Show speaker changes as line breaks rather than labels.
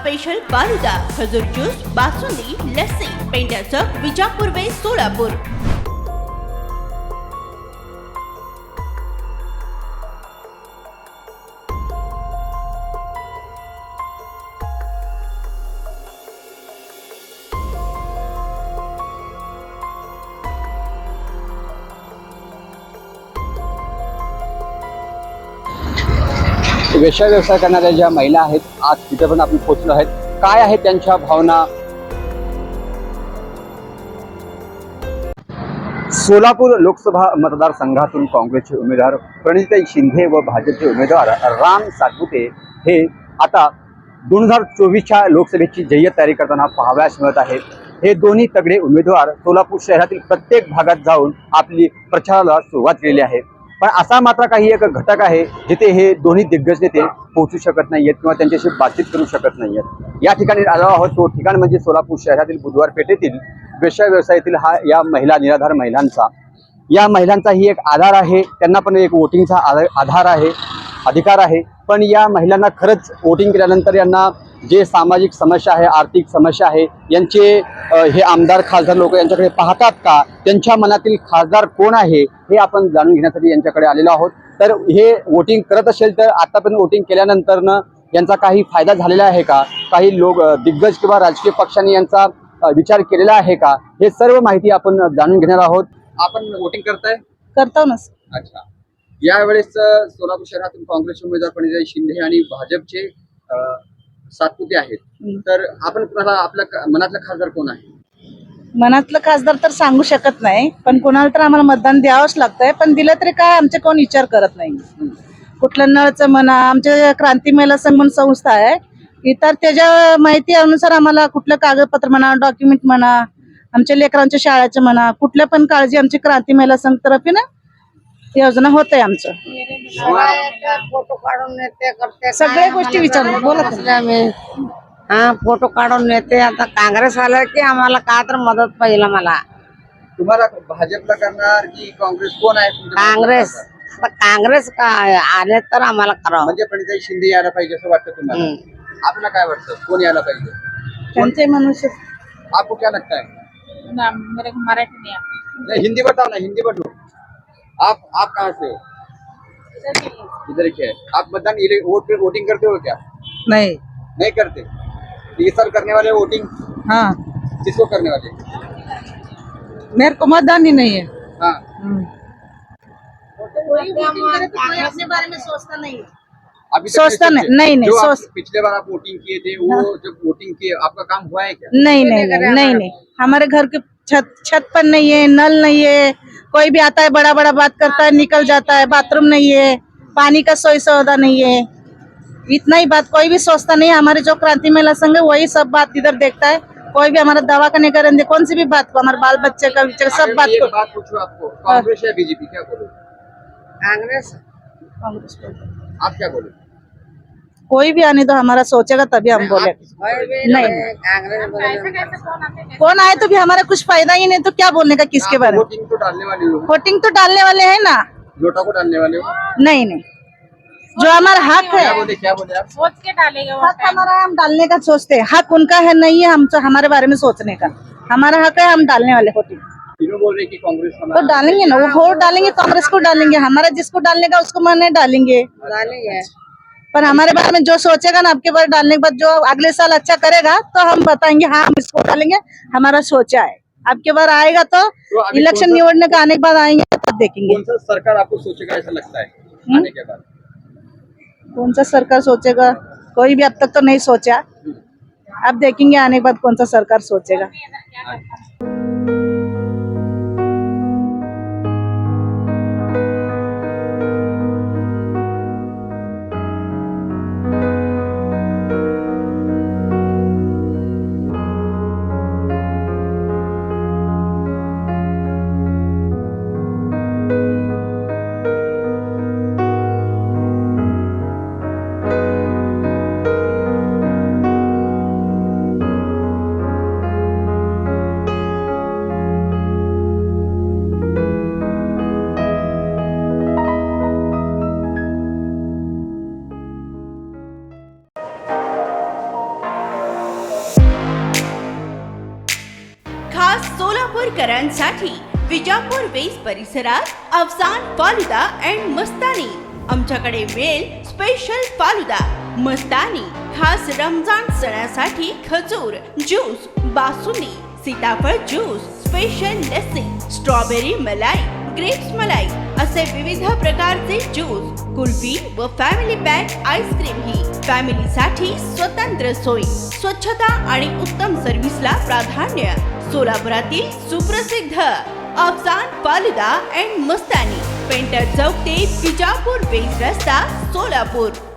Special falooda, खजूर juice, basundi, lassi, Pendya Chowk, Vijapur वे सोलापूर।
वेश्या व्यवसाय करणाऱ्या ज्या महिला आहेत, आज तिथे पण आपण पोहोचलो आहेत। काय आहेत त्यांच्या भावना? सोलापूर लोकसभा मतदारसंघातून काँग्रेसचे उमेदवार प्रणितीताई शिंदे व भाजपचे उमेदवार राम सातपुते हे आता 2024च्या लोकसभेची जय्यत तयारी करताना पाहावयास मिळत आहेत। हे दोन्ही तगडे उमेदवार सोलापूर शहरातील प्रत्येक भागात जाऊन आपली प्रचाराला सुरुवात केलेली आहे। पण असा मात्र काही एक घटक आहे जिथे हे दोन्ही दिग्गज नेते पोहोचू शकत नाहीयेत किंवा त्यांच्याशी बातचीत करू शकत नाहीयेत। या ठिकाणी आलो आहोत, तो ठिकाण म्हणजे सोलापूर शहरातील बुधवार पेठेतील वेश्या व्यवसायातील या महिला निराधार महिलांचा, या महिलांचाही एक आधार आहे, त्यांना पण एक वोटिंगचा आधार आहे, अधिकार आहे। पण या महिलांना खरंच वोटिंग केल्यानंतर यांना जे सामाजिक समस्या आहे, आर्थिक समस्या आहे, यांचे हे आमदार खासदार लोक यांच्याकडे पाहतात का? त्यांच्या मनातील खासदार कोण आहे हे आपण जाणून घेण्यासाठी यांच्याकडे आलेलो आहोत। तर हे वोटिंग करत असेल तर आतापर्यंत वोटिंग केल्यानंतरनं यांचा काही फायदा झालेला आहे का? काही लोक दिग्गज किंवा राजकीय पक्षांनी यांचा विचार केलेला आहे का? हे सर्व माहिती आपण जाणून घेणार आहोत। आपण वोटिंग करताय?
करतो ना।
अच्छा, यावेळेस सोलापूर शहरातून काँग्रेसचे उमेदवार प्रणितीताई शिंदे आणि भाजपचे सातपुते आहेत, तर आपण कुणाला आपल्या मनातला खासदार कोण आहे?
मनातलं खासदार तर सांगू शकत नाही, पण कोणाला तर आम्हाला मतदान द्यावंच लागतंय। पण दिलं तरी काय आमचे कोण विचार करत नाही। कुठलं नळचं म्हणा, आमच्या क्रांती महिला संघ म्हणून संस्था आहे, इतर त्याच्या माहिती अनुसार आम्हाला कुठलं कागदपत्र म्हणा, डॉक्युमेंट म्हणा, आमच्या लेकरांच्या शाळेचं म्हणा, कुठल्या पण काळजी आमची क्रांती महिला संघ तर्फे ना योजना होत आहे। आमचं
फोटो काढून नेते करते,
सगळ्या गोष्टी विचारून बोलत
आम्ही हा फोटो काढून नेते। आता काँग्रेस आलं की आम्हाला का तर मदत पाहिजे। मला
तुम्हाला भाजपला करणार की काँग्रेस कोण आहे तुमच्या मनातला
काँग्रेस,
खासदार?
आता काँग्रेस काय आले तर आम्हाला करावं।
म्हणजे प्रणितीताई शिंदे यायला पाहिजे असं वाटतं तुम्हाला? आपल्याला काय वाटतं, कोण यायला पाहिजे?
त्यांचे मनुष्य
आपको क्या लगता है?
मेरे को मराठी नहीं आता।
नहीं, हिंदी बताओ ना, हिंदी बताओ। आप कहाँ से हो? इधर के। आप मतदान वोटिंग करते हो क्या?
नहीं।
नहीं करते? इस साल करने वाले वोटिंग
हाँ,
किसको करने वाले?
मेरे को मतदान ही नहीं है।
हाँ,
अपने बारे में सोचता नहीं।
अभी तक
सोचता
सोचे?
नहीं, नहीं,
जो आप
सोच-
पिछले बार आप वोटिंग किए थे, वो जब वोटिंग किए आपका काम हुआ है क्या?
नहीं नहीं नहीं नहीं नहीं, हमारे घर के छत पर नहीं है, नल नहीं है, कोई भी आता है बड़ा बड़ा बात करता है निकल जाता है, बाथरूम नहीं है, पानी का सोई सौदा नहीं है, इतना ही बात कोई भी सोचता नहीं। हमारे जो क्रांति महिला संघ है वही सब बात इधर देखता है। कोई भी हमारा दवा का नहीं करेंगे, कौन सी भी बात को, हमारे बाल बच्चे का विचार सब
अगर
बात
मैं एक
को
बात पूछूं आपको, कांग्रेस या बीजेपी, क्या बोलो?
काँग्रेस
कांग्रेस को।
आप क्या बोलो?
कोई भी आने दो, हमारा सोचेगा तभी हम बोले। नहीं
काँग्रेस
कौन आए तो भी हमारा कुछ फायदा ही नहीं, तो क्या बोलने का किसके
आप
बारे में।
वोटिंग तो डालने वाले हो,
वोटिंग तो डालने वाले हैं ना।
नोटा को डालने वाले हो?
नहीं नहीं, जो हमारा हक है,
क्या बोले आप?
सोच के डालेगा वो
हक हमारा है, हम डालने का सोचते हैं। हक उनका है नहीं है हम हमारे बारे में सोचने का। हमारा हक है, हम डालने वाले वोटिंग
तीनों बोल रहे कि कांग्रेस
तो
हमारा
डालेंगे ना, वो वोट डालेंगे, कांग्रेस को डालेंगे, हमारा जिसको डालने का उसको माने डालेंगे।
डालेंगे।
पर हमारे बारे में जो सोचेगा ना, आपके बारे डालने के बाद जो अगले साल अच्छा करेगा तो हम बताएंगे हाँ हम इसको डालेंगे, हमारा सोचा है। आपके बार आएगा तो
अभी
इलेक्शन
कौन सा-
निवड़ने का आने के बाद आएंगे तब देखेंगे
कौन सा सरकार आपको सोचेगा ऐसा लगता है आने के बाद?
कौन सा सरकार सोचेगा। कोई भी अब तक तो नहीं सोचा, अब देखेंगे आने के बाद कौन सा सरकार सोचेगा।
सोलापूरकरांसाठी विजापूर वेस परिसरात अफसान फालुदा अँड मस्तानी. आमच्याकडे मिळेल स्पेशल फालुदा, मस्तानी, खास रमजान सणासाठी खजूर ज्यूस, बासुंदी, सीताफळ ज्यूस, स्पेशल लस्सी, स्ट्रॉबेरी मलाई, ग्रेप्स मलाई असे विविध प्रकारचे ज्यूस, कुल्फी व फॅमिली पॅक आईस्क्रीम ही फॅमिलीसाठी स्वतंत्र सोयी, स्वच्छता आणि उत्तम सर्व्हिसला प्राधान्य. सोलापुरातील सुप्रसिद्ध अफसान फालुदा अँड मस्तानी, पेंटर चौक ते विजापूर वेस रस्ता, सोलापूर.